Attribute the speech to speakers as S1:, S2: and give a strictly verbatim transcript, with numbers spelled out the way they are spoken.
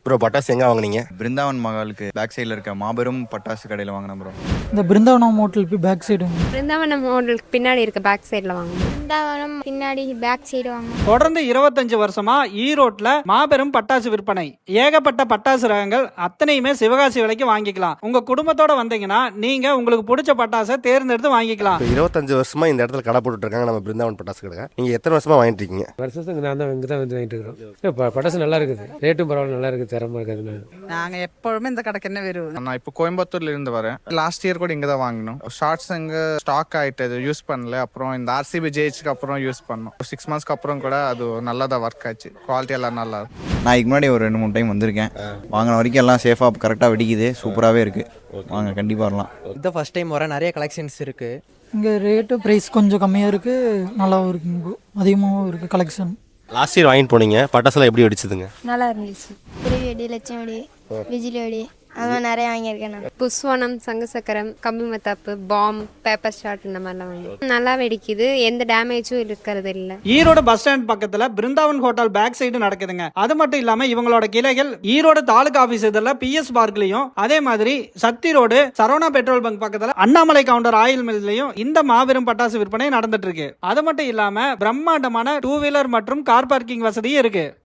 S1: Bro பட்டாசு எங்கே வாங்குனீங்க?
S2: பிருந்தாவன் மகாலுக்கு பேக் சைடில் இருக்க மாபெரும் பட்டாசு கடையில் வாங்கினேன் ப்ரோ.
S3: இந்த பிருந்தாவனம் ஹோட்டலுக்கு பேக் சைடு.
S4: பிருந்தாவனம் ஹோட்டலுக்கு பின்னாடி இருக்க பேக் சைடில் வாங்க.
S5: பிருந்தாவனம் பின்னாடி பேக் சைடு வாங்க.
S3: தொடர்ந்து இருபத்தஞ்சு வருஷமா ஈரோட்ல மாபெரும் பட்டாசு விற்பனை. ஏகப்பட்ட பட்டாசு ரகங்கள் அத்தனையுமே சிவகாசி விலைக்கு வாங்கிக்கலாம். உங்க குடும்பத்தோட வந்தீங்கன்னா நீங்க உங்களுக்கு பிடிச்ச பட்டாசை தேர்ந்தெடுத்து வாங்கிக்கலாம்.
S1: இருபத்தஞ்சு வருஷமா இந்த இடத்துல கடை போட்டுட்டு இருக்காங்க நம்ம பிருந்தாவன் பட்டாசு கடை. நீங்க எத்தனை வருஷமா வாங்கிட்டு இருக்கீங்க?
S6: வருஷத்துக்கு நான் தான் இங்கே தான் வந்து வாங்கிட்டு இருக்கிறோம். பட்டாசு நல்லா இருக்குது, ரேட்டும் பரவாயில்ல, நல்லா இருக்குது, தரமாக இருக்குது.
S7: நாங்கள் எப்பொழுதுமே இந்த கடைக்கு என்ன வருவோம்.
S2: நான் இப்போ கோயம்புத்தூர்ல இருந்து வரேன். லாஸ்ட் இயர் கூட இங்கே தான் வாங்கினோம். ஷார்ட்ஸ் இங்கே ஸ்டாக் ஆகிட்டு யூஸ் பண்ணல. அப்புறம் இந்த ஆர்சிபி ஜெயிச்சுக்கு அப்புறம் யூஸ் பண்ணோம். சிக்ஸ் மந்த்ஸ்க்கு அப்புறம் கூட அது நல்லா தான் ஒர்க் ஆச்சு. குவாலிட்டி எல்லாம் நல்லா இருக்கும்.
S8: நான் இதுக்கு முன்னாடி ஒரு ரெண்டு மூணு டைம் வந்திருக்கேன். வாங்கின வரைக்கும் எல்லாம் சேஃபாக கரெக்டாக வெடிக்குது, சூப்பராகவே இருக்குது. வாங்க, கண்டிப்பாக வரலாம்.
S9: இதான் ஃபர்ஸ்ட் டைம் வர, நிறைய கலெக்ஷன்ஸ் இருக்குது.
S3: இங்கே ரேட்டு ப்ரைஸ் கொஞ்சம் கம்மியாக இருக்குது, நல்லாவும் இருக்குங்க, அதிகமாகவும் இருக்குது கலெக்ஷன்.
S1: லாஸ்ட் இயர் வாங்கிட்டு போனீங்க, பட்டாசுலாம் எப்படி வெடிச்சதுங்க?
S5: நல்லா இருந்துச்சு. குருவி வெடி, லட்சம் வெடி, விஜிலி வெடி, அதெல்லாம் நிறைய வாங்கியிருக்கேன் நான்.
S4: புஸ்வானம், சங்கு சக்கரம், கம்பி மத்தாப்பு, பாம், பேப்பர் ஷாட் இந்த மாதிரிலாம் வாங்கி நல்லா வெடிக்குது. எந்த டேமேஜும் இருக்கிறது இல்லை.
S3: ஈரோடு பஸ் ஸ்டாண்ட் பக்கத்துல பிருந்தாவன் ஹோட்டல் பேக் சைடு நடக்குதுங்க. அது மட்டும் இல்லாம இவங்களோட கிளைகள் ஈரோடு தாலுகா ஆபீஸ் இதுல பிஎஸ் பார்க்லயும், அதே மாதிரி Sakthi road Saravana petrol bunk பக்கத்துல அண்ணாமலை கவுண்டர் ஆயில் மில்லையும் இந்த மாபெரும் பட்டாசு விற்பனை நடந்துட்டு இருக்கு. அது மட்டும் இல்லாம பிரம்மாண்டமான டூ வீலர் மற்றும் கார் பார்க்கிங் வசதியும் இருக்கு.